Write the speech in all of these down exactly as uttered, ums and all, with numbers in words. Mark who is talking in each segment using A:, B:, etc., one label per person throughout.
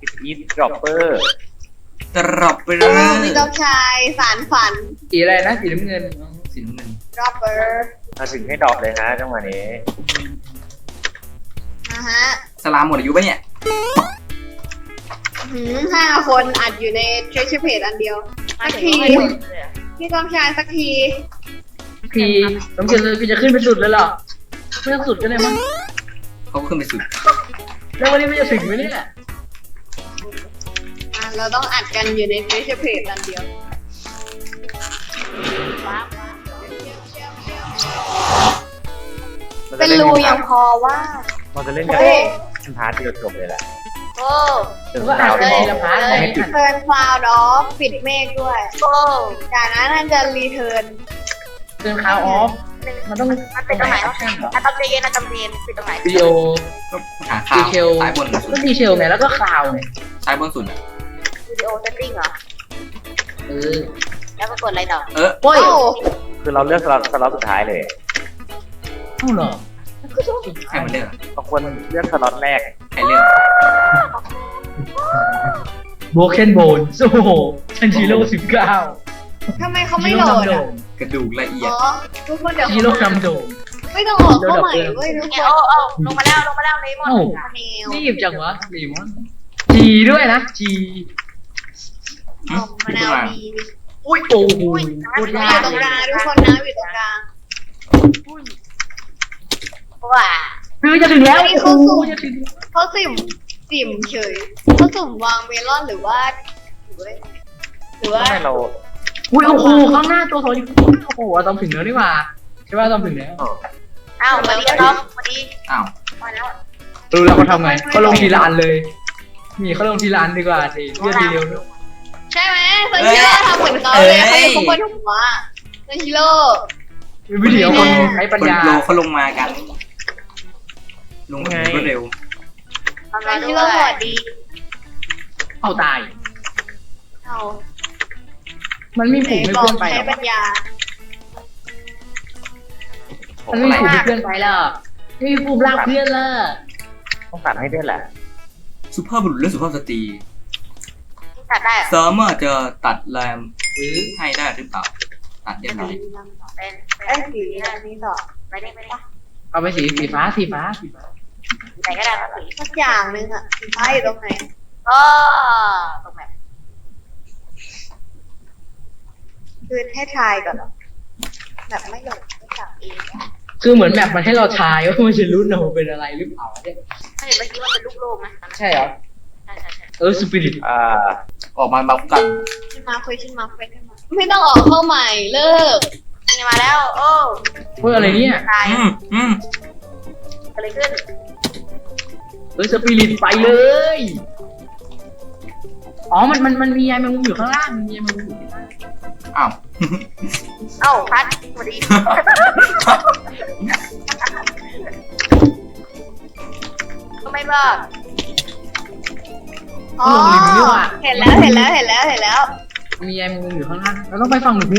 A: อีฟดรอปเปอร์
B: ตรอบไปเล
C: เออย มีต้องชายสารฝัน
D: สีอะไรนะสีน้ำเงิน
B: สีน้ำเงิน
C: ดรอปเปอร์
A: มาถึงให้ดรอปเลยฮะจังหวะนี้
C: นะฮะ
B: สลามหมดอายุปะเนี่ย
C: หืมห้าคนอัดอยู่ใน treasure page อันเดียวสักทีพี่ต้องชายสักที
D: พี่ต้องเชิญเลยพี่จะขึ้นไปสุดเลยเหรอไม่ต้องสุดก็ได้มั้ง
B: เขาขึ้นไปสุด
D: แล้ววันนี้ไม่จะถึงไหมเนี่ย
C: อ่ะเราต้องอัดกันอยู่ใน treasure page อันเดียว เป็นรูยังพอว่า
A: มันจะเล่นกัน
C: เฮ้ย
A: พาร์ทเดียวจบเลยแหละ
C: โอ้
A: ถึง
D: ก็อา
A: ดา
D: จ
A: ว
D: จะ
A: ทอ
D: ที
A: ง
D: ละพาร์ทเลย
A: ให้ปิด
C: เทิร์นคลาวด์ออฟปิดเมฆด้วย โอ้จากนั้นน่าจะรีเทิร์น
D: เติมคาวออฟมันต้อง
E: มันเป็นตรงไหน
D: ออ
E: วะ
D: ปชั่นเหรอ
E: อะตอมเรียนอะตอมเรียนเป็นตรงไหน
D: วิดีโอ
B: ก็หาข่า
D: ดี
B: ว
D: เทล
B: ซ้ายบนสุ
D: ก็
B: ด
D: ดีเทลไงแล้วก็คลาวไง
B: ซ้ายบนสุดอ่ะ
E: วิดีโอเซตติ้งเหรอ
D: เออ
E: แล้วก็กดอะไรต่อ
B: เออ
D: โอ้ย
C: โอ้
A: คือเราเลือกสล็อตสล็อตสุดท้ายเลย
D: เอ้าเหรอ
B: ใครมันเลือกอะ
A: บางคนเลือกสล็อตแรก
B: ใครเลือก
D: โบเคนโบนโอ้โหชันชิโร่สิบเก้า
C: ทำไมเขาไม่โหลดอ่ะ
B: กระดูกละเอียด
C: อ๋อทุกคนเดี๋ยว
D: ชิโร่นำโดง
C: ไม่ต้องออกเข้าใหม่เว้ยทุกค
E: เนี่ย
C: น
E: โอ้โอ้ลงมาแล้วลงมาแล้วเลมอน
D: เอ้า
C: แนว
D: รีบจังวะรีมอนจีด้วยนะจี
C: ออกมะนาวดี
D: อุ้ยโอ้โหโคตร
C: อย
D: าก
C: ยู่ตรง
D: เล
C: กลาง
D: ย
C: ทุกคนนะอยู่ตรงกลาง
E: ว้า
D: คือจะถึงแล้ว
C: อันนี้
D: โอ้
C: เขา
D: โห
C: สุ่ม
D: จะถึง
C: เขาสุ่มสิ่มเฉยเขาสุ่มวางเมลอนหรือว่าหรือว่าหรือว่า
A: ทำไมเรา
D: อุ้ยโอ้โหข้างหน้าตัวโถอยู่โอ้โหอะตอมถึงแล้วนี่หว่าใช่ป่ะตอมถึงแล้ว
E: อ้าวมาดีน้องมาดี
B: อ้าว
E: มาแล้ว
D: รู้แล้วเขาทำไงเขาลงทีละอันเลยนี่เขาลงทีละอันดีกว่าสิเพื่อทีเดียวด้วย
C: ใช่ไหมซันชิโร่ทำเหมือนเขาเลยเขาอยู่ข้างบนหัวซันชิโร่
D: วิดีโอคนใช้ปัญ
B: คน
D: ญา
B: โลเขาลงมากัน ลงมาแบบรวดเร็ว
E: ทำ
C: ซั
E: มาน ด้
C: ชิ
E: ว
C: โร่ส
E: ย
C: วัสดี
D: เอาตาย
C: เอา
D: มันมีผูกไม่
C: บอ
D: เพื่
C: ก
D: อนไป
C: ใช้
D: หรอ
C: ปัญญา
D: มันไม่มีผูกไม่เพื่อนไปหรอกไม่มีผูกลากเพื่อนละ
A: ต้องตัดให้ด้วยแหละ
B: สุภาพบุรุษและสุภาพสตรี
E: ตัดได้
B: สามารถจะตัดแรมหรือให้ได้หรือเปล่า ตัดเรียบร้อย
E: เป็น
C: ไอ้สีอันนี้ต่อ
E: ไปได้ไปได้
D: เอาไปสีสีฟ้าสีฟ้าสีฟ้า
E: ไหนก็ได้สี
C: สักอย่างหนึ่งอะสีฟ้าอยู่ตรงไหน
E: ก็ตรงไหน
C: คือให้ทายก่อนเหรอแบบไม่หลงไม่จับเอง
D: คือเหมือนแบบมันให้เราทายว่ามันจะรู้นะว่าเป็นอะไรหรือเปล่าเนี่ย
E: ถ้าเห็นเมื่อกี้ว่าเป็นลูกโลกไหม
D: ใช่เหรอ
E: ใช่ใช่ใช่
D: เออสปิริต
A: อ่า
B: ออกมาบัฟกัน
C: ขึ้นมาคุยขึ้นมาคุยขึ้นมาไม่ต้องออกเข้าใหม่เลิก
E: นี่มาแล้วโอ้
D: เฮ้ยอะไรเนี่ย
E: ตาย
B: อืมอืม
E: อะไรขึ้น
D: เออสปิริตไปเลยอ๋อมันมันมันมียายแมงมุมอยู่ข้างล่างมียายแมงมุมอยู่ข้างล่าง
B: อ้าว
E: เอ้าพัดสวัสดีก็ไม่บอก
C: อ๋อเห็นแล้วเห็นแล้วเห็นแล้วเห็นแล้ว
D: มียายแมงมุมอยู่ข้างล่างเราต้องไปฝั่งหนู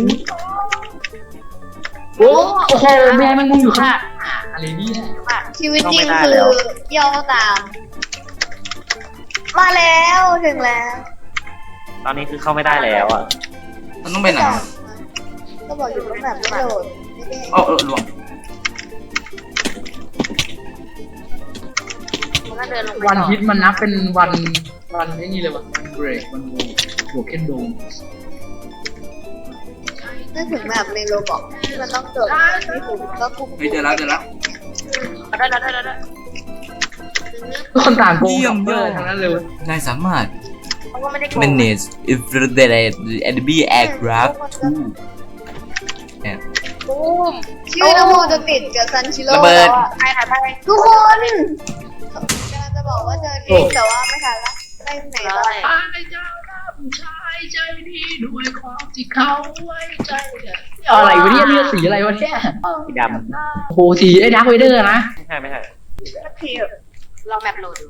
D: โอ้โอ้โหมียายแมงมุมอยู่ข้างล่างอะไรเนี่ย
C: ชีวิตจริงคือย่อตาม มาแล้วถึงแล้ว
A: ตอนนี้คือเข้าไม่ได้แล้วอ่ะ
B: มันต้องไปไหนอะ
C: ก็บอกอยู่ว่าแบบไม่โหลดไม่ได้
B: เอ๋อเออหลวง
E: มันก็เดินลงไป
D: วัน
E: ต่อ
D: ฮิตมันนับเป็นวันวันไอ้นี่เลยวะวันเบรกวันโบเคนโดม
C: นึกถึงแบบในโรบอกที่มันต้องเกิดไม่ถูกก็คุก
B: เฮ้ยเจอแล้วเจอแล้ว
E: ได้ได้ได้ได้
D: ทุกคนต่างโกงกับเบอร์ทั้งนั้นเลย
B: นายสามารถ
E: เพราะว่าไม่ได้โกง
B: manage infrared enemy aircraft ทูเนี่ย
E: บูม
C: ชื่อนโมจะติดกับซันชิโร่
B: ระเบิด
C: แล้วอะ
E: ไปถ่ายไป
C: ทุกคนกำลังจะบอกว่าเจอทริกแต่ว่าไม่ทันละไปไหนต่อ
D: ตายเจ้าหน้าผู้ชายใจดีด้วยความที่เขาไว้ใจอะไรวะเนี่ยเลือดสีอะไรวะเนี่ย
A: สีด
D: โอ้โหสีไอ้ดาร์คเวเดอร์นะ
A: ำไม่ใช่ไม่ใช่
C: สักที
E: ลองแมปโหลดดู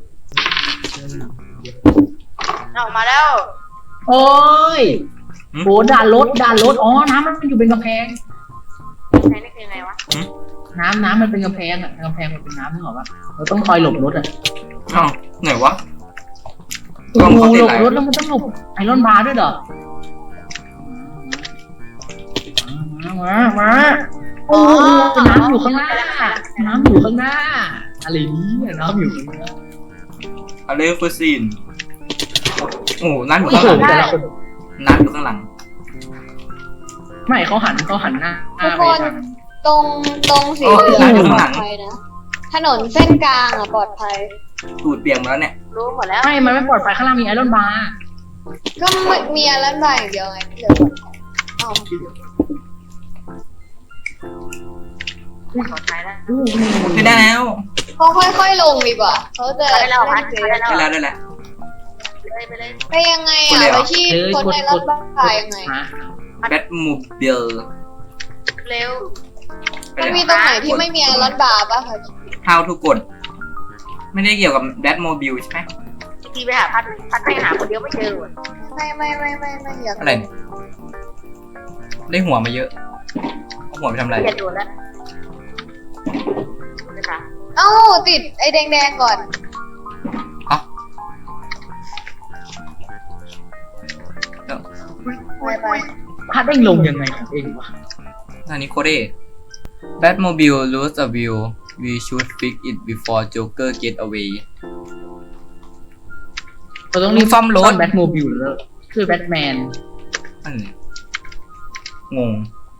E: ออกมาแล้ว
D: โอ้ยโหด่านรถด่านรถอ๋อน้ำมันอยู่เป็นกำแพง
E: ใช้นี่คือไงวะ
D: น้ำน้ำมันเป็นกำแพงอ่ะกำแพงมันเป็นน้ำนึกออกปะเราต้องคอยหลบรถอ่ะ
B: อ้าวไหนวะกล้อง
D: โอ้
B: เขา
D: โห
B: ติ
D: ห
B: ด
D: ล
B: ไห
D: บ
B: น
D: รถแล้วมันต้องหลบไอรอนบาร์ด้วยเหรอมามามาโอ้โหน้ำอยู่ข้างหน้าน้ำอยู่ข้างหน้าอะไรเนี่ยน้ำอยู่ข้างหน้า
B: อะไรฟูซินโอ้นั่นอยู่
D: โอ้
B: ข้าง
D: โห
B: หลัง
D: แต่ละคน
B: นั่นอยู่ข้างหลัง
D: ไม่เขาหันเขาหันหน้า
C: ทุก
D: ไป
C: คน
D: ทาง
C: ตรงตรงสีเหลืองปลอดภัยนะ ถนนเส้นกลางอ่ะปลอดภัย
B: ตูดเปียกหมดแล้วเนี่ย
E: รู้หมดแล้ว
D: ไม่ มันไม่ปลอดภัยข้างล่างมีไอรอนบาร์
C: ก็ไม่มีอะไรบ้างอย่างเดียวไงที่เหลือปลอดภัยอ้าว
E: ขอใช้แล้ว
B: ไม่ได้แล้ว
C: เขาค่อยๆลงดีกว่าเขาจะ
E: ได้แล้วพัด
C: เซ
E: ได้
C: ฟ
E: แล้ว
B: ได้แล้วได้แล้ว
E: เลยไปเลย
C: ไปยังไงอ่ะไปที่คนในรถบ้ายังไง
D: ฮะ
B: แบทมูบิล
E: เร็ว
C: มันมีตรงไหนที่ไม่มีไอรอนบาร์ป่ะคะ
B: How to กดไม่ได้เกี่ยวกับแบทโมบิลใช่ไหม
E: ทีไปหาพัดพัดไปหาคนเดียวไม่เจอ
C: ไม่ไม่ไม่ไม่ไม่อยาก
B: อะไรเนี่ยได้หัวมาเยอะเอาหัวไปทำอะไร
E: เปลี่ยนโดนแล้วนะคะ
C: เอ้าติดไอ้แดงๆก่อน
B: อ๋อ
C: ไปไป
D: พัดได้ลงยังไงของเองวะ
B: อันนี้โคเด Batmobile lose a wheel we should fix it before Joker get away
D: เราต้องรีบ
B: ซ่อมรถ
D: แบทโมบิลแล้วคือแบทแมน
B: อันนี้งง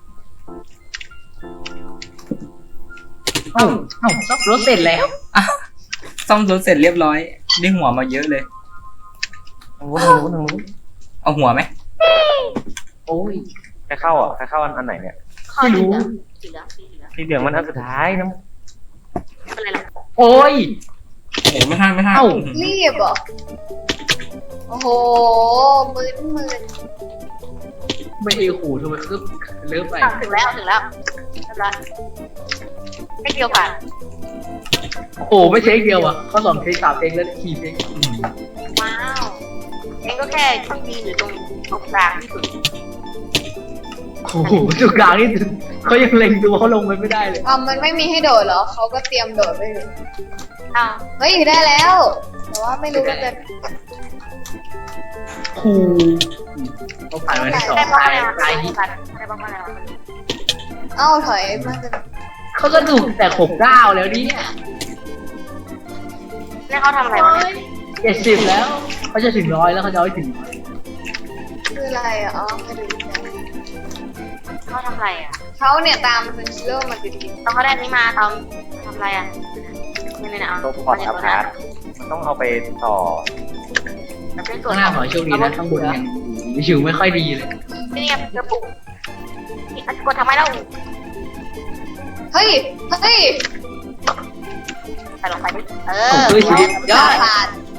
D: เอ้าเอ้าซ่อมรถเสร็จแล้ว
B: อ่ะซ่อมรถเสร็จเรียบร้อย ได้หัวมาเยอะเลย
A: ทางนู้นทางนู้นทางนู้น
B: เอาหัวไหม
D: โอ้ย
A: ใครเข้าอ่ะใครเข้าอันอันไหนเนี่ย
D: ไม่รู้
E: สีเหลืองสีเหลือง
A: สีเหลืองมันอันสุดท้ายนะ
E: ไม่เป็นไรหรอก
D: โอ้ย
B: โอ้ไม่ทันไม่ทัน
D: เอ้า
C: รีบเหรอโอ้โหมืนมืน
D: ไม่เอขู่ทำไมคือเลิกไป
E: ถึงแล้วถึงแล้วเรียบร้อยไม่เกี่ยวกัน
D: โอ้ไม่เช็คเดียวอ่ะเขาสองเทคสามเทคแล้วขี่เทค
B: อืม
E: ว้าวเองก็แค่ที่ยืนอยู่ตรงตรงกลางที่สุด
D: โอ้โหจุดกลางนี่เขายังเล็งตัวเขาลงไปไม่ได้เลย
C: อ่ะมันไม่มีให้โดดเหรอเขาก็เตรียมโดดไปเลย
E: อ้าว
C: เฮ้ยได้แล้ว แต่ว่าไม่รู้ว่าจะ
D: ครูเขาผ่านมาที่สอง
E: ได้บ้าง
D: ตาย
E: แล้ว
D: ตายนี้
E: ได้บ้างแล้ว
C: เอ้าถอยมาจะ
D: เขาก็ถูกแต่หกเก้าแล้วเนี่ย
E: แล้วเขาทำอะไรวะเนี่ย
D: เจ็ดสิบแล้วเขาจะถึงร้อยแล้วเขาจะเอาให้ถึงร้อย
C: คืออะไรอ่ะอ๋อไม่รู้จัก
E: เขาทำอะไรอ่ะ
C: เขาเนี่ยตามเป็นเรื่องมาติด
E: ตอนเขาได้นี้มาตอนทำอะไรอ่ะนี่นี่นะเอา
A: ตัวพอร์ตอัพพาร์ทมันต้องเอาไปต่อ
E: จะเป็นส่ว
D: ข้าน งหน้าขอให้โชคดีนะข้างบนยังอยู่ไม่ค่อยดีเลย
E: นี่ไงกระปุกนี่อันกดทำไมเล่า
C: เฮ้ยเฮ้ย
E: ใส่ลงไปดิเอ
D: โอ้
E: อ
D: โหชีวิตยอด
C: ผ่าน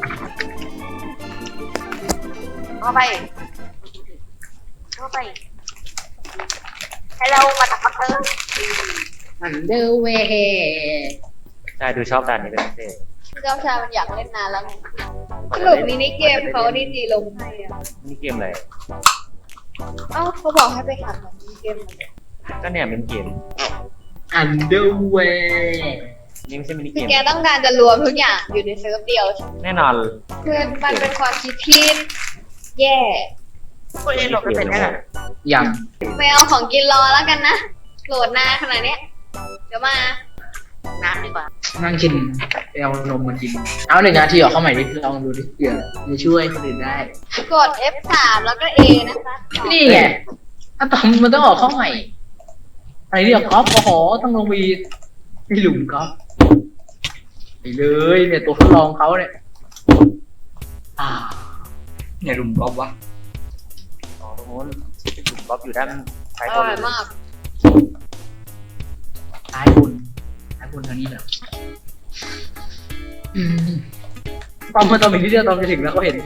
E: เข้าไปเข้าไปให้เรามาตักเตอร์
D: อันเดอร์เวย์
A: ใช่ดูชอบด่านนี้เป็นพิเศษ
C: เจ้าชายมันอยากเล่นนานแล้วไงสรุปมินิเกมเขานี่ดีลงให้อ่ะ
A: นี่เกมอะไร
C: เอ้าเขาบอกให้ไปหาของมินิเกมมาเลย
A: ก็เนี่ยเป็นเกม
D: อันเดอร์เวย์
A: นี่ไม่ใช่มินิเก
C: คือ
A: ม
C: แกต้องการจะรวมทุกอย่างอยู่ในเซิร์ฟเดียวใช่ไหม
A: แน่นอน
C: คือมันเป็นความคิดที่แย่
E: ตัวเองหลบไปเป็นได้
D: ยัง
C: ไม่เอาของกินรอแล้วกันนะโหลดนานขนาดเนี้ยเดี๋ยวมา
E: น้ำดีกว่า
D: นั่งกินไปเอานมมากินเอาหนึ่งนาทีออกเข้าใหม่ดิลองดูดิเผื่อจะช่วยคนอื่นได้
C: กด เอฟ สาม แล้วก็ A นะคะ
D: นี่ไงถ้าตอมมันต้องออกเข้าใหม่อะไรเรียกกอล์ฟโอ้โหต้องลงไปที่หลุมกอล์ฟไปเลยเนี่ยตัวทดลองเขาเนี่ยอ่า
B: เนี่ยรุมกอล์ฟวะ
A: อ๋อตรงนู้นจุดก๊อฟอยู่ด้านซ้าย
C: อบ
A: น
C: ร่อยมาก
D: ซ้ายบนซ้ายบนทางนี้เหรออืมตอมมาตอมอีกนิดเดียวตอมจะถึงแล้วเขาเห็น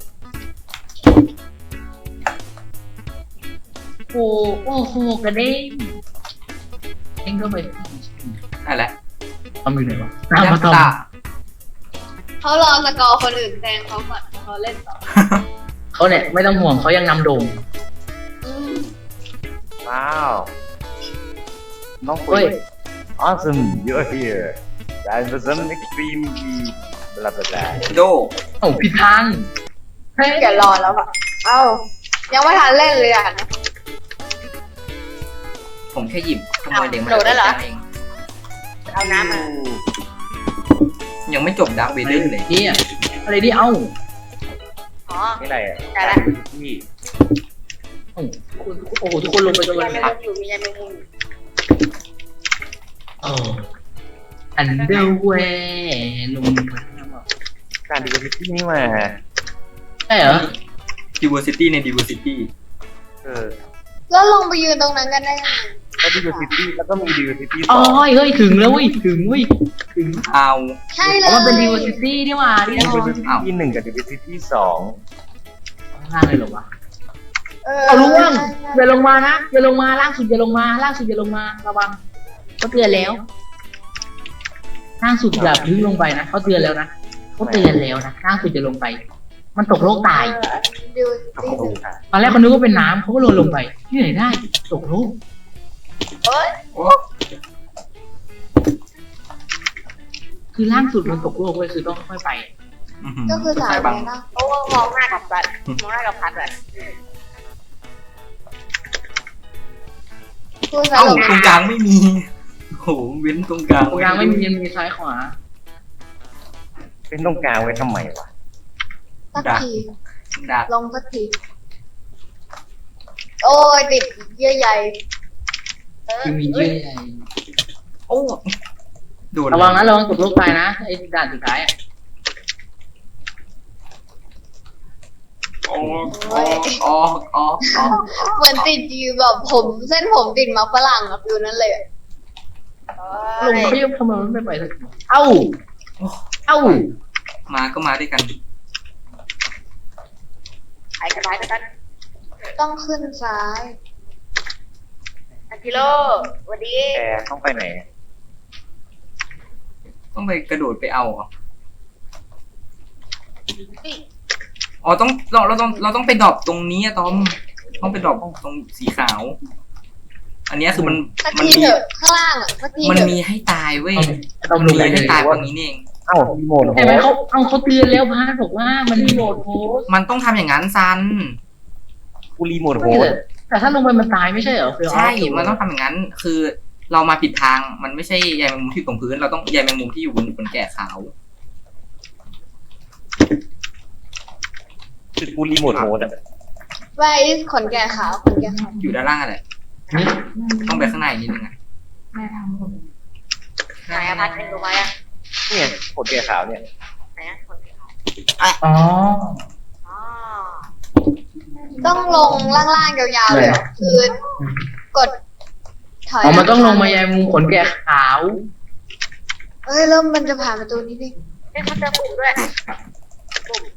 D: โอ้โอ้โหกระเด้งเด้งเข้าไป
B: นั่นแหละ
D: ตอมอยู่ไหนวะตามมาตอม
B: ตา
C: เขารอสกอร์คนอื่นแซงเขาก่อนเขาเล่นต่อ
D: เขาเนี่ยไม่ต้องห่วงเขายังนำโด่ง
C: อืม
A: ว้าวน้องคุ
D: เฮ้
A: ย
D: ย
A: Awesome you're here Time for some extreme blah blah blah
B: โด
D: โอ้ผิดทางเฮ้ย
C: อย่ารอแล้วอะเอ้ายังไม่ทันเล่นเลยอ่ะ
B: ผมแค่หยิบขโมยเหล็กมา
E: โดดได้เหรอ
B: เอง
E: เอาน้ำมา
B: ยังไม่จบดาร์กเวเดอร์เลย
D: นี่อะอะไรดิเอ้า
E: อ๋อ
A: นี่อะไรอ่ะ
E: ได้ละ
A: ที่
D: โอ้โหโอ้โหทุกคนลงไปกัน
E: มี
D: เลย
E: ยาแมงมุมอยู่มียาแมงมุมอยู่
D: โอ้อันเดอร์แวร์นุ่ม
A: การดีวิที่นี่มา
D: ใช่เหรอ
B: diversity ใน diversity
A: เออ
C: แล้วลงไปยืนตรงนั้นกันได้ยังไง
A: แล้วดีวิตี้แล้วก็มีดีวิตี้ส
D: อ๋อ
A: อง
D: เฮ้ยถึงแล้วเว้ยถึงเว้ยถึง
B: เอา
C: ใช่เล
D: อ๋อย มันเป็น diversity นี่หว่าที่
A: ดี
D: เรา
A: วิตี้หนึ่งกับดีวิตี้สอง
D: ล่างเลยเหรอวะ
C: เออ
D: เอาล่วงอย่าลงมานะอย่าลงมาล่างสุดอย่าลงมาล่างสุดอย่าลงมาระวังเขาเตือนแล้วล่างสุดอย่าพึ่งลงไปนะเขาเตือนแล้วนะเขาเตือนแล้วนะล่างสุดจะลงไป มันตกโลกตาย
C: ดู
A: เอา
C: สิ
A: ลงค่ะ
D: ตอนแรกเขานึกว่าเป็นน้ำเขาก็โรยลงไปที่ไหนได้ตกโลก
E: เอ้ย
D: คือล่างสุดมันตกโลกเว้ยคือต้องค่อยๆไป
B: อื้อหือ
C: ก็คือสาย
B: บัง
C: นี้นะ
E: โอ้มองหน้ากับบัตรมองหน้ากับพัดอะ
C: คือสา
B: เอ้าย
C: ลง
B: ตรงกลางไม่มีโหเว้นตรงกลาง
D: ตรงกลางไม่มีมีซ้ายขวา
A: เป็นตรงกลางไว้ทำไมวะ
C: สักที
B: ดัก
C: ลงสักที โอ้ยติดเยื่อใย
E: เออ
D: คือมีเยื่อใย
B: โอ้โดน
D: ระวังนะระวังตกโลกตายนะไอ้ด่านสุดท้ายอะ
B: ออกออกออกออกออก
C: เหมือนติดอยู่แบบผมเส้นผมติดมาฝรั่งอะฟิวนั้นเลยอะ
D: ลงเขายังทำไมมันไม่ไปสักทีเอ้าเอ้า
B: มาก็มาด้วยกัน
E: ไอ้กระต่ายกัน
C: ต้องขึ้นซ้าย
E: อันกิโลสวัสดี
A: แกต้องไปไหน
B: ต้องไปกระโดดไปเอาเหรอ
E: นี่
B: อ๋อต้องเราเราต้องเราต้องไปดรอปตรงนี้อะตอมต้องไปดรอปตรงสีขาว อันเนี้ยคือมัน
C: สัก
B: มัน
C: ที
B: มี
C: เถอะข้างล่างอะสักที
B: มัน
C: เถอะ
B: มีให้ตายเว้ย
D: ต้อง
B: มัน
D: ลง
B: มี
D: ไปเล
B: ให้
D: ย
B: ตายตรงนี้นี่เอง
A: เอ้ารีโมทโฮ
D: เห็นไหม
A: ส
D: เขาเอาเขาเตือนแล้วพาร์ทบอกว่ามันรีโมทโพสต์
B: มันต้องทำอย่างนั้นซัน
A: กูรีโมทโฮส
D: แต่ถ้าลงไปมันตายไม่ใช่เหรอ
B: ใช่ มันต้องทำอย่างนั้น คือเรามาผิดทาง มันไม่ใช่ใยแมงมุมที่อยู่ตรงพื้น เราต้องใยแมงมุมที่อยู่บนบนแก่ขาว
A: คือกูรีโมทโฮสอ่ะ
C: ไว้ขนแก่ขาวขนแก่ขาว
B: อยู่ด้านล่างอะไร
D: นี่
B: ต้องไปข้างในนิดนึงอะ
E: ไหนอะพัดเป็นตัวไว้อะ
A: เนี่ยขนแกขาวเนี่ย
E: ไหนอะคนเดียว
D: อ๋อ
E: อ๋อ
C: ต้องลงล่างๆยาวๆเลยเหรอคือกดถอย
D: อ๋อมันต้องลงมายังมุมขนแกะขาว
C: เอ้ยเริ่มมันจะผ่านประตูนี้ดิ
E: เอ้ยเขาเจอปุ่มด้วยปุ่ม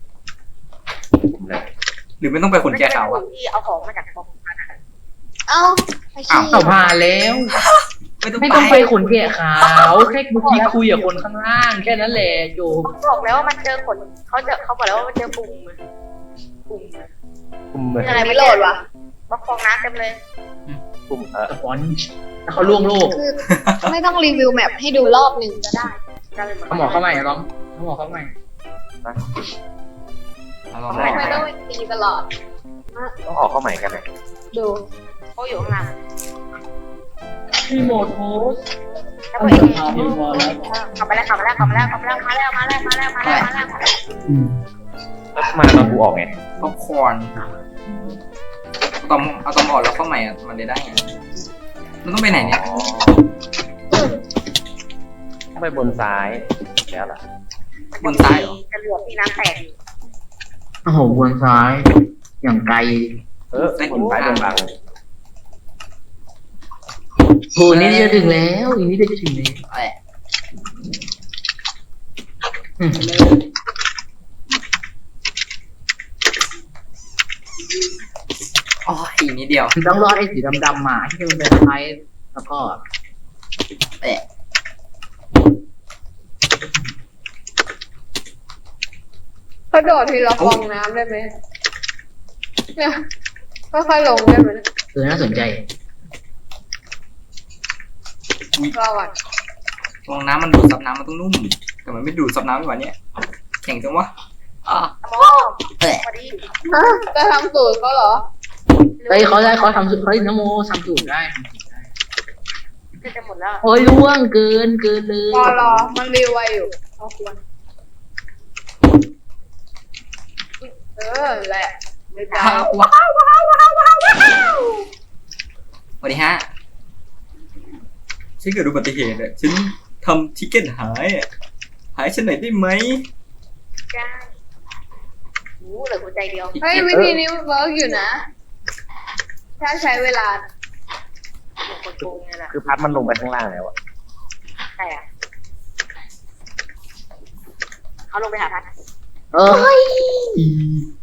B: หรือไม่ต้องไปขนแก่ขาว
E: ปุ่
B: อะ
E: มที่เอาของมาจากกองพันอะ
C: เอ้าไอ้
B: อ้าว
C: ชี้
D: ต่อผ่านแล้ว
B: ไม่ต้อง
D: ไม่
B: ไป
D: ต้องไปขนแกะขาวแค่เมื่อกี้คุยกับคนข้างล่างแค่นั้นแหละโจ
E: เขาบอกแล้วว่ามันเจอขนเขาเจอเขาบอกแล้วว่ามันเจอปุ่มปุ่ม
A: ปุ่มเหมือน
E: อะไร
C: ไม่
E: ไม่
C: โหล
E: โหล
C: ด
E: ด
C: วะ
E: วะบล็อกฟองน้ำเต็มเลย
A: ปุ่มเออ
D: สปอนจ์แต่เขาล่วงโลก
C: คือไม่ต้องรีวิวแมปให้ดูรอบหนึ่งก็ได้
E: ได้เลยหมด
D: เขาหมอเข้าใหม่อะต้องเขาหมอเข้าใหม่
B: เอาลอง
C: ทำไม
B: ลอง
C: ไม่ต้องตีตลอด
A: ต้องออกเข้าใหม่กันนะ
C: ดู
E: เขาอยู่ข้างล่าง
D: รีโมทโพส
E: แล้วก็เองกลับไปแล้วกลับมาแล้วกลับมาแล้วกลับมาแล้วมาแล้วมาแล้วมาแล้วมาแล้วมาแล้วมาแล้ว
A: แล้วมาตอนกูออกไง
B: ป๊อปคอร์นเอาตอมเอาตอมออกแล้วเข้าใหม่อะมันได้ได้ไงมันต้องไปไหนเนี่ย
A: อ๋อต้องไปบนซ้ายแล้วล่ะ
B: บนซ้ายเหรอ
E: จะเหลือที่น้ำแตก
D: โอ้โหบนซ้าย อย่างไกล
A: เออบนซ้ายบนบัง
D: โหนี่จะถึงแล้วอีกนิดเดียวจะถึงแล้ว
B: แหละ
D: อืม
B: อ๋ออีกนิดเดียว
D: คือต้องรอดไอ้สีดำๆมาที่มันเป็นไม้แล้วก็
B: แหละ
C: กระโดดทีละฟองน้ำได้ไหมเนี่ยค่อยๆลงได้ไหม
D: เออน่าสนใจ
C: รอก่อน
B: ฟองน้ำมันดูดซับน้ำมันต้องนุ่ม แต่มันไม่ดูดซับน้ำดีกว่านี้แข็งจังวะอ่ะ
E: สมอง
B: แหละ
C: ฮะจะทำสูตรเขาเหรอ
D: เฮ้ยเขาได้เขาทำสุดเฮ้ยนโมทำสูตรได้ทำสูตรได้
E: ก็จะหมดแล้ว
D: โอ้ยล่วงเกินเกินเลย
C: รอรอมันรีไวอยู่เอาควรเออแหละไม่ได้
B: ว้าวว้าวว้าวว้าวว้าวสวัสดีฮะฉันเกิดอุบัติเหตุอ่ะฉันทำทิกเก็ตหายอ่ะหายฉันหน่อยได้ไหม
E: จ้าโอ้เหลือหัวใจเดียว
C: เฮ้ยวิธีนี้เวิร์กอยู่นะ ถ้าใช้เวลา
E: หมดคนโกงเลยล่ะ
A: คือพัดมันลงไปข้างล่างแล้วอะ
E: ใช่อ่ะเขาลงไปหาพัด
D: เออ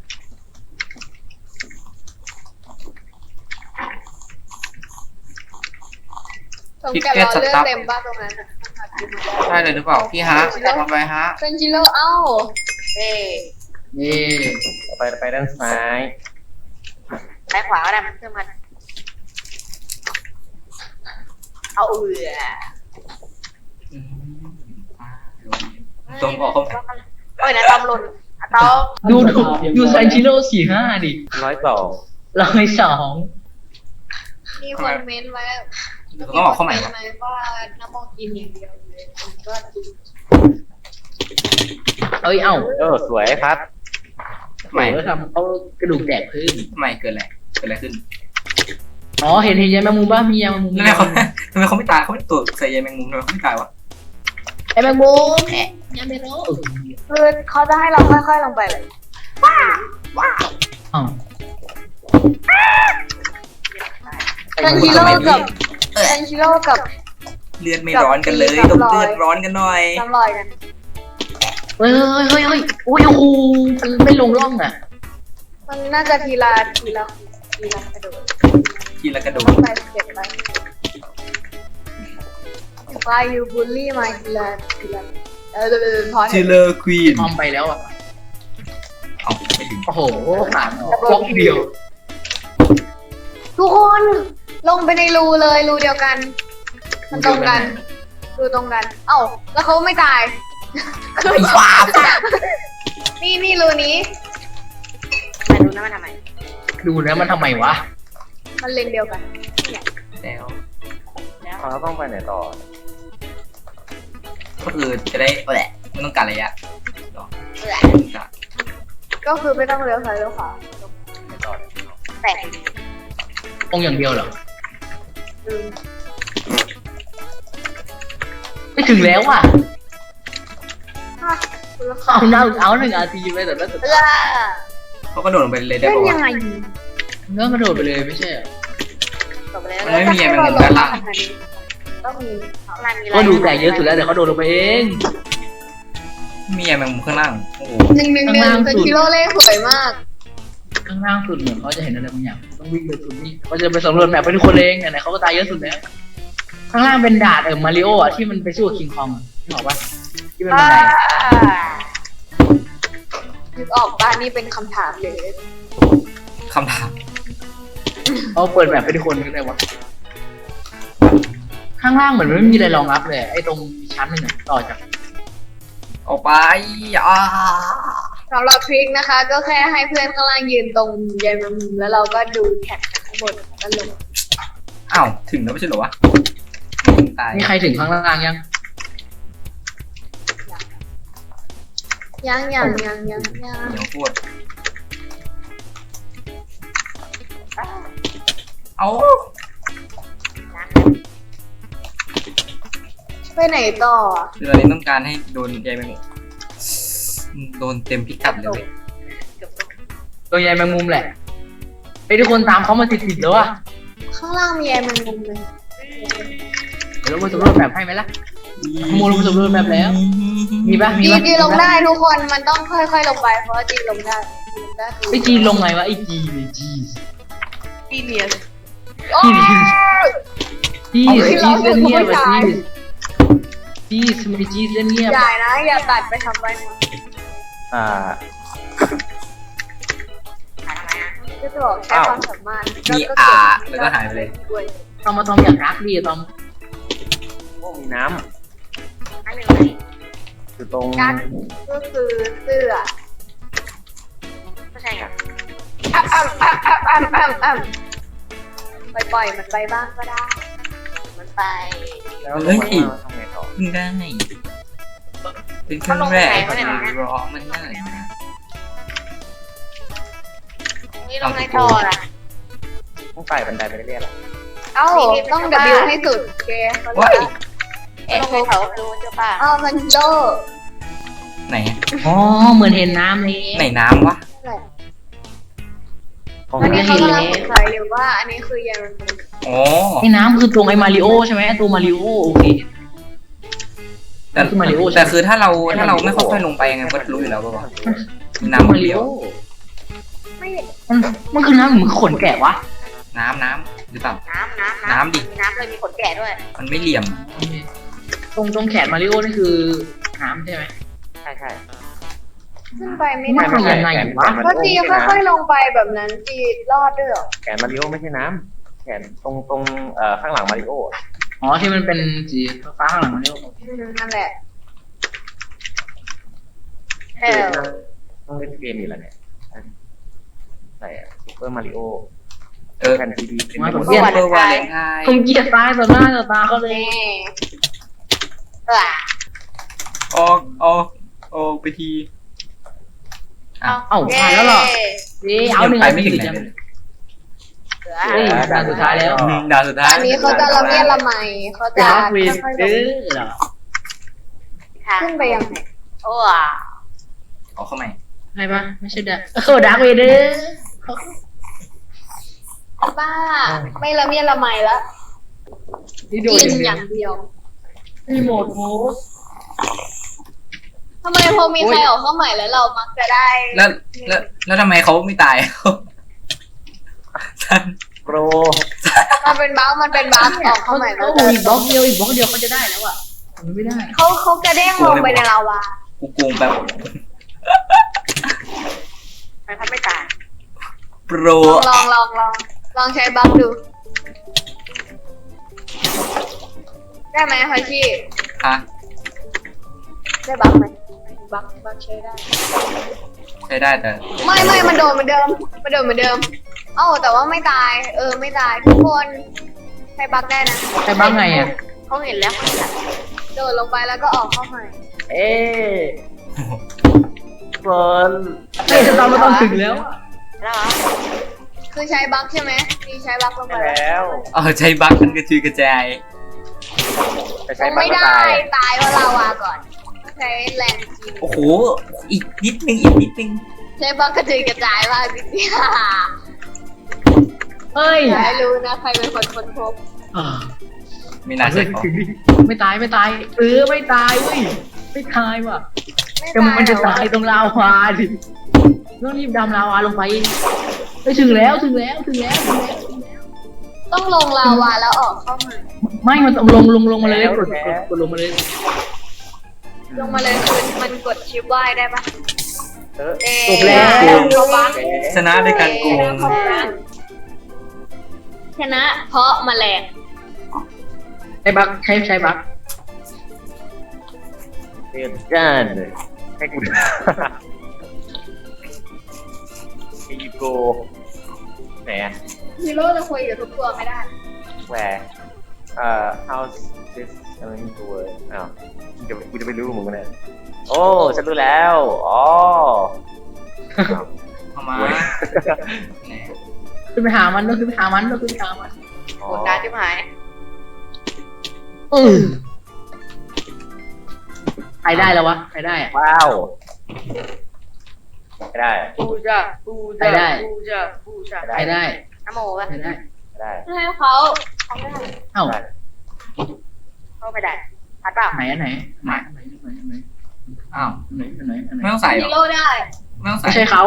C: ตรงกันเราเลือดเต็มบ้านตรงนั้น
B: ใช่เลยหรือเปล่าพี่ฮะทำไปฮะ
C: เป็นจิโร่เอ้า
E: เอ้
D: นี่
A: ไปไปด้านซ้าย
E: ซ้ายขวาก็ได้มันเพิ่มกันเอาเอือ
B: ตรงออกเข้าไป
E: เอ้ยนะตอมหล่นอะตอม
D: ดูดูดูซันชิโร่สี่ห้าดิ
A: ร้อยสอง
D: ร้อยสอง
C: มีคนเม้นต์ไว้
B: ต้องออกเข้าใหม่วะ
C: ว่าน้ำมองกินอย่างเดียวเลยมันก็ดี
D: เอ้ยเอ้า
A: เออสวยพัด
B: ทำไม
D: เขาทำเขากระดูกแตกขึ้น
B: ทำไมเกิดอะไรเกิดอะไรขึ้น
D: อ๋อเห็นเห็นยายแมงมุมบ้ามียายแมงมุม
B: ทำไมเขาทำไมเขาไม่ตายเขาไม่ตัวใส่ใยแมงมุมทำไมเขาไม่ตายวะ
D: ยายแมงมุมแอะยายแมงมุม
E: คือเขาจะให้เราค่อยๆลงไปเลย
D: อ๋อ
C: เซนชิโร่กับเซนชิโร่กับ
B: เลือดไม่ร้อนกันเลยต้องเลือดร้อนกันหน่อย
C: น้ำลอยกัน
D: เฮ้ยเฮ้ยเฮ้ยเฮ้ยโอ้ยโอ้โหมันไม่ลงร่องอ่ะ
C: มันน่าจะทีละทีละทีละกระโดด
B: ทีละกระโด
C: ต้อ
B: ด
C: งไปเก็บไปไปยูบูลลี่มาทีละทีละเออเออพอ
B: ชิ
C: เถ
B: ลเล
C: อะ
B: อร์ควีน
D: มอมไปแล้วอ่ะ
B: เอาไม่ถึง
D: โอ้โหผ่านออกบล็อกเดียว
C: ทุกคนลงไปในรูเลยรูเดียวกัน มันตรงกันรูตรงกัน เอ้าแล้วเขาไม่ตาย
B: ไอ้บ้า
C: นี่นี่รูนี้
E: มาดูนะมันทำไม
D: ดูนะมันทำไมวะ
C: มันเลนเดียวกัน
B: แล้ว
E: แล้ว
A: เราต้องไปไหนต่อ
B: ก็คือจะได้แหละไม่ต้องการระยะ
E: เอือ
B: ไม่ต้องการ
C: ก็คือไม่ต้องเลี้ยวซ้ายเลี้ยวขวา
A: ไหนต่อ
E: แตก
D: ตรงอย่างเดียวเหรอ
C: อืม
D: ไม่ถึงแล้วอ่ะ
C: อ่ะคุณละ
D: เอาหน้าเอาหนึ่งนาทีไปแต่ละสุด
E: เอือ
B: เขาก็โดดลงไปเลยได้
C: เล่น
B: ปะ
C: ยัง
B: วะ
C: ไง
D: เนื้อกระโดดไปเลยไม่ใช่
E: จบไปแล้ว
B: มันไม่มีแยแมงมุมด้านล่าง
C: ต้องมี
E: ข้างล่างมีอะไร
D: ก็ดูแตกเยอะสุดแล้วเดี๋ยวเขาโดดลงไปเอง
B: มีแยแมงมุมข้างล่างโอ้โห
C: หนึ่งหนึ่งหนึ่งเป็นกิโลเลขสวยมาก
D: ข้างล่างสุดเหมือนเขาจะเห็นอะไรบางอย่างต้องวิ่งไปสุดนี่เขาจะไปสำรวจแมปไปทุกคนเองไหนๆเขาก็ตายเยอะสุดแล้ว ข้างล่างเป็นดาดเออมาริโออ่ะที่มันไปสู้กับคิงคองอ่ะนึกออกปะที่เป็นบันได
C: นึกออกป่ะนี่เป็นคำถามเลย
B: คำถาม
D: เขาเปิดแมปให้ทุกคนก็ได้วะข้างล่างเหมือนไม่มีอะไรรองรับเลยไอ้ตรงชั้นหนึ่งอะต่อจาก
B: ออกไปอ่า
C: สำหรับทริคนะคะ ก็แค่ให้เพื่อนข้างล่างยืนตรงยายแมงมุมแล้วเราก็ดูแท็กข้างบนแล้วลง
B: อ้าวถึงแล้วไม่ใช่เหรอวะตาย
D: นี่ใครถึงข้างล่างยัง
C: ยังยังยังยังยัง
B: เดี๋ยวพูดเอา
C: ไปไหนต่อ
B: คือตอนนี้ต้องการให้โดนใยแมงมุมโดนเต็มพิกัดเลย
D: ตัวยายแมงมุมแหละไอ้ทุกคนตามเขามาติดๆแล้วอ่ะ
C: ข้างล่างมียายแมงมุมเลย
D: เดี๋ยวเราไปสำรวจแมปให้ไหมล่ะ ขโมยลงไปสำรวจแมปแล้ว มีปะมี
C: จี
D: ปะ
C: จีลงได้ทุกคนมันต้องค่อยๆลงไปเพราะว่าจีลงได้ลงได้คือ
D: ไอ้จีลงไงวะไอ้จีเลยจี
E: ตีเนียน
C: โอ้ย
D: จี
C: เอา
D: จี
C: ขึ้นแล้ว
D: เล่นเงียบ
C: ไม่
D: อะ
C: ตาย
D: จีจีสมัยจีเล่นเงียบ
C: อย่านะอย่าตัดไปทำไปนะ
A: อ่า
E: หาทำไมอ่ะ
C: ก็จะบอกแค่ความสามารถ
B: มีอาแล้วก็หายไปเลย
C: ด้วย
D: ตอมมาตอมอยากรักดีอะตอม
A: โอ้มีน้
E: อันหนึ่งไหน
A: ำอยู่ตรง
C: กัดก็คือเสื้อ
E: ก็ใช่ไง
C: อ่ำอ่ำอ่ำปล่อยปล่อยมันไปบ้างก็ได้
E: มันไป
A: แล้วลงมาแล้วทำไงต่อ
B: เพิ่งได้เป็นครั้งแรกที่รอมันได้
E: นี่ลงในท่อละ
A: ต้องไต่บันไดไปเรื่อยๆหรอ
C: เอ้าต้อง W ให้สุดเกย์เขา
B: ว้าย
C: เรียก
E: ลงในแถวดูเจ้าป่า
C: เอ้ามันโด
B: ไหน
D: อ๋อเหมือนเห็นน้ำเลย
B: ไหนน้ำวะ
A: ของ
C: อันนี้
A: นี่
C: เขากำลังสงสัยอยู่ว่าอันนี้คือยัง
B: อ๋อ
D: ไอ้น้ำคือตรงไอ้มาริโอใช่ไหมตัวมาริโอโอเค
B: แต่
D: คือมาริโอใช่ไหม
B: แต่คือถ้าเราถ้าเราไม่ค่อยๆลงไปยังไงก็รู้อยู่แล้วป่ะวะมีน้ำ
D: มา
B: มัน
D: ริ
B: เดีย
D: โอ
B: ว
C: ไม่
D: มันมันคือน้ำเหมือนขนแกะวะ
B: น้ำน้ำหรือเปล่า
E: น้ำน้ำ
B: น้ำดิ
E: มีน้ำเลยมีขนแกะด้วย
B: มันไม่เหลี่ยม
D: ตรงตรงแขนมาริโอนี่คือน้ำใช่ไหม
A: ใช่ใช่
C: ขึ้นไปไม่
D: ไม่
C: ได้
D: ไม่ ยังไงวะ
C: ก็จีค่อยๆลงไปแบบนั้นจีรอดด้วยเหรอ
A: แขนมาริโอไม่ใช่น้ำแขนตรงตรงเอ่อข้างหลังมาริโอ
D: อ๋อที่มันเป็นสีฟ้าข้างหลังมาริโอ
C: อืมนั่นแหละ
E: เออ
A: ต้องเล่นเกมอยู่แล้วเนี่ยใส่ซูเปอร์มาริโอ
B: เออ
A: แผ่นซีดีเป็น
D: มา
A: ห
D: ผม
A: มด
D: เกลียด
B: เบอร์วาเลนไทน์
D: ผมเกลียดตายต่อหน้าต่อตาเขาเลย
C: นี่
E: เออ
B: ออกออกออกไปที
D: เอ้าผ่านแล้วเหรอเอ้ยเอาหนึ่ง
B: ไป
D: อัน
B: ไม่
D: ไม่
B: ถึ
D: ถึ
B: ง
D: ง
B: ไหน
D: จัง
B: เลย
E: เสือ
D: เฮ้ยด่านสุดท้ายแล้ว
B: อืมด่านสุดท้าย
C: อันนี้เขาจะละเมียดละไมเขาจะ
D: ดาร์กวิน
C: ค่อยๆล
D: เอง อเหรอ
C: ขึ้นไปยังไง
E: โอ้
B: ออกเข้าใหม่
D: ใช่ปะไม่ใช่ดาร์กเออดาร์กเวเดอร์
C: บ้าไม่ละเมียดละไมแล้ว
D: นี่โดน
C: กิน
D: อ
C: อย่าง ย่างเดียว
D: รีโมทโมส
C: ทำไมพอมีใครออกเข้าใหม่แล้วเรามักจะได้
B: แล้วแล้วแล้วทำไมเขาไม่ตาย ท่าน
A: โปร
C: มันเป็นบั๊กมันเป็นบั๊กออกเข้าใหม่แล้ว
D: โอ้อีกบล็อกเดียวอีกบล็อกเดียวเขาจะได้แล้วอ่ะมันไม่ได้
C: เขาเขากระเด้งลงไปในลาวา
B: กูโกงแบบ
E: ใครทำไม่ตาย
B: โปร
C: ลองลองลองลองลองใช้บั๊กดู ได้ไหมฮอชี่
B: ฮะ
C: ได้บั๊กไหมบั๊กบั๊กใช้ได้
B: ใช้ได้แต่
C: ไม่ไม่มันโดนเหมือนเดิมมันโดนเหมือนเดิม เอ้าแต่ว่าไม่ตาย เออไม่ตายทุกคนใช้บั๊กได้นะ
D: ใช่บ้างไงอ่ะ
E: เขาเห็นแล้วเขาเห็นแล้ว
C: โดดลงไปแล้วก็ออกเข้าใหม่
A: เอ๊ะเฟิร์น
D: เฮ้ยตอนมาตอนถึงแล้วอะ
E: แล้วเหรอ
C: คือใช้บั๊กใช่ไหมมีใช้บั๊กลงไป
A: ใช่แล้ว
B: เออใช้บั๊กมันกระจุยกระจาย
A: จะ
C: ล
A: ใช้
C: ง
A: บัต
C: ไม่
A: รก็
C: ได้
A: ตาย
C: ตายเพราะลาวาก่อนใช้แรงจริง
B: โอ้โหอีกนิดนึงอีกนิดนึง
C: ใช้บั๊กกระจุยกระจายมากจริงๆ
D: เฮ้ย
C: อย่าให้รู้นะใครเป็นคนค้นพบ
D: อ่า
B: ไม่น่าใช่เขา
D: ไม่ตายไม่ตายเออไม่ตายเว้ยไม่ตายว่ะ
C: ไม่
D: แต่มันจะ
C: หรอ
D: ตายตรงลาวาดิต้องรีบดำลาวาลงไปไปถึงแล้วถึงแล้วถึงแล้วถึงแล้วถึงแล้ว
C: ต้องลงลาวาแล้วออกเข้ามา
D: ไม่มันต้องลงลงลงมาเลยกดกดกดลงมาเลย
C: ลงมาเลยคือมันกดชิปไหว้ได้ปะ
A: เออ
C: เอ๊ะ
D: จบแล้ว
C: เขาบั๊ก
B: ชนะด้วยการโกง
C: ชนะเพราะแมลง
D: ใช้บักใช้ใช้บัก
A: เรียนจ้านเลยให้กูดูอีโกไหนอะ
C: ฮีโร่จะคุยกับทุกตัวไม่ได้
A: แหวร์เอ่อ how's this going to work อ้าวกูจะกูจะไปรู้มึงกันเนี่ยโอ้ฉันรู้แล้วอ๋ออ้าว
B: เอามา
A: เว้ย
B: ไหน
D: ขึ้นไปหามันต้องขึ้นไปหามันต้องขึ้นไปหามัน
A: อ๋อ
E: กดการที่หาย
D: เออใครได้แล้ววะใครได้อะ
A: ว้าวไม่ได้
E: ปูจ้ะปู
D: ใคร
E: จ้ะ
D: ได้
E: ปูจ้ะปูจ้ะ
D: ใครได้
E: น้ำโมป่ะ
D: ใครได้
A: ไม่ได้
C: ให้เขาเขาไม่ได้
D: เอ้า
A: ได้
E: เข้าไม่ได้พัดเปล่า
D: ไหนอันไหนไหนอันไหนอันไหนอันไหน
B: อ้าว
D: อันไหนอันไหนอันไหน
B: ไม่ต้องใส่หร
C: ฮี
B: อ
C: โร่ได้
B: ไม่ต้องใส่
D: ไม่ใช่เขา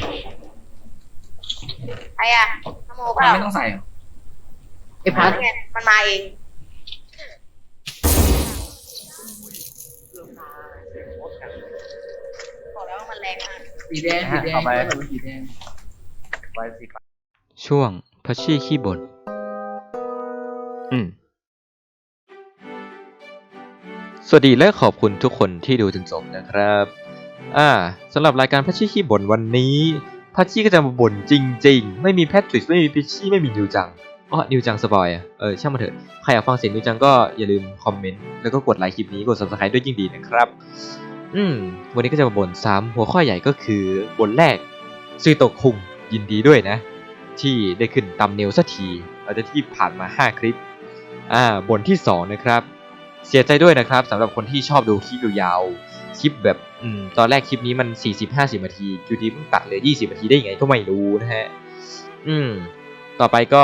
E: ไอ้อะน้ำโมเป
B: มัน
E: ล่า
B: ไม่ต้องใส่หรอ
D: ไอ้พัด
E: ไงมันมาเองบอกแล้วว่ามันแรงมาก
D: สีแดงสีแดงสีแดง
A: ไว้สิ
F: ช่วงพัชชี่ขี้บ่นอืม สวัสดีและขอบคุณทุกคนที่ดูจนจบนะครับ อ่าสำหรับรายการพัชชี่ขี้บ่นวันนี้พัชชี่ก็จะมาบ่นจริงๆไม่มีแพทริกไม่มีพิชชี่ไม่มีนิวจังอ๋อนิวจังสปอยอ่ะเออช่างมันเถอะใครอยากฟังเสียงนิวจังก็อย่าลืมคอมเมนต์แล้วก็กดไลค์คลิปนี้กด ซับสไครบ์ ด้วยยิ่งดีนะครับอืมวันนี้ก็จะมาบ่นซ้ำหัวข้อใหญ่ก็คือบทแรกซุยโตะคุงยินดีด้วยนะที่ได้ขึ้นตำเนลสักทีหลังจากที่ผ่านมาห้าคลิปอ่าบทที่สองนะครับเสียใจด้วยนะครับสำหรับคนที่ชอบดูคลิปยาวๆคลิปแบบอืมตอนแรกคลิปนี้มัน สี่สิบห้าสิบ นาทีอยู่ดีเพิ่งตัดเหลือยี่สิบนาทีได้ยังไงก็ไม่รู้นะฮะอืมต่อไปก็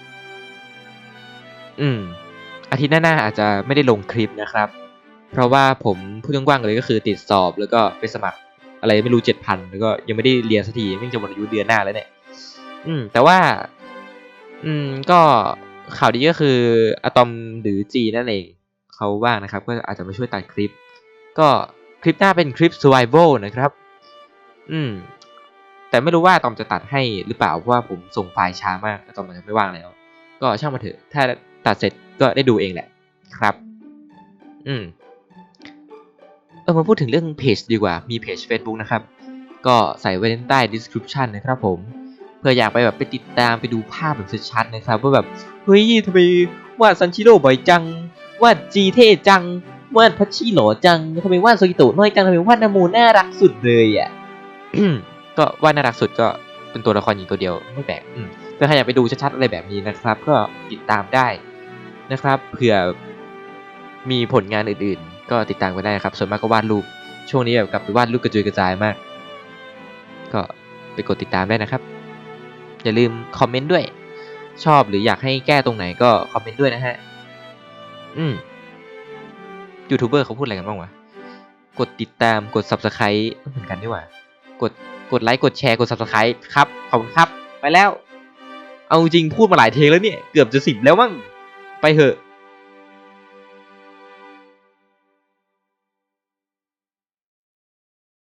F: อืมอาทิตย์หน้าๆอาจจะไม่ได้ลงคลิปนะครับเพราะว่าผมพูดกว้างๆเลยก็คือติดสอบแล้วก็ไปสมัครอะไรไม่รู้ เจ็ดพัน แล้วก็ยังไม่ได้เรียนสักทีไม่จะหมดอายุเดือนหน้าแล้วเนี่ยอืมแต่ว่าอืมก็ข่าวดีก็คืออะตอมหรือจีนั่นเองเขาว่างนะครับก็อาจจะมาช่วยตัดคลิปก็คลิปหน้าเป็นคลิป survival นะครับอืมแต่ไม่รู้ว่าอะตอมจะตัดให้หรือเปล่าเพราะว่าผมส่งไฟล์ช้ามากอะตอมมันจะไม่ว่างแล้วก็ช่างมาเถอะถ้าตัดเสร็จก็ได้ดูเองแหละครับอืมเออมาพูดถึงเรื่องเพจดีกว่ามีเพจ Facebook นะครับก็ใส่ไว้ใต้ description นะครับผมเพื่ออยากไปแบบไปติดตามไปดูภาพแบบชัดๆนะครับว่าแบบเฮ้ยทำไมวาดซันชิโร่บ่อยจังวาดจีเท่จังวาดพัชชิหล่อจังทำไมวาดโซกิโตะน้อยจังทำไมวาดนามูน่ารักสุดเลยอ่ะ ก็วาดน่ารักสุดก็เป็นตัวละครหญิงตัวเดียวไม่แปลกอืมถ้าใครอยากไปดูชัดๆอะไรแบบนี้นะครับ ก็ติดตามได้นะครับเผื่อมีผลงานอื่นๆ ก็ติดตามกันได้นะครับส่วนมากก็วาดรูปช่วงนี้แบบกลับไปวาดรูปกระจุยกระจายมาก ก็ไปกดติดตามได้นะครับอย่าลืมคอมเมนต์ด้วยชอบหรืออยากให้แก้ตรงไหนก็คอมเมนต์ด้วยนะฮะอืมยูทูบเบอร์เขาพูดอะไรกันบ้างวะกดติดตามกด ซับสไครบ์ เหมือนกันดีกว่ากดกดไลค์กดแชร์กด ซับสไครบ์ ครับขอบคุณครับไปแล้วเอาจริงพูดมาหลายเทงแล้วเนี่ยเกือบจะสิบแล้วมั้งไปเถอะ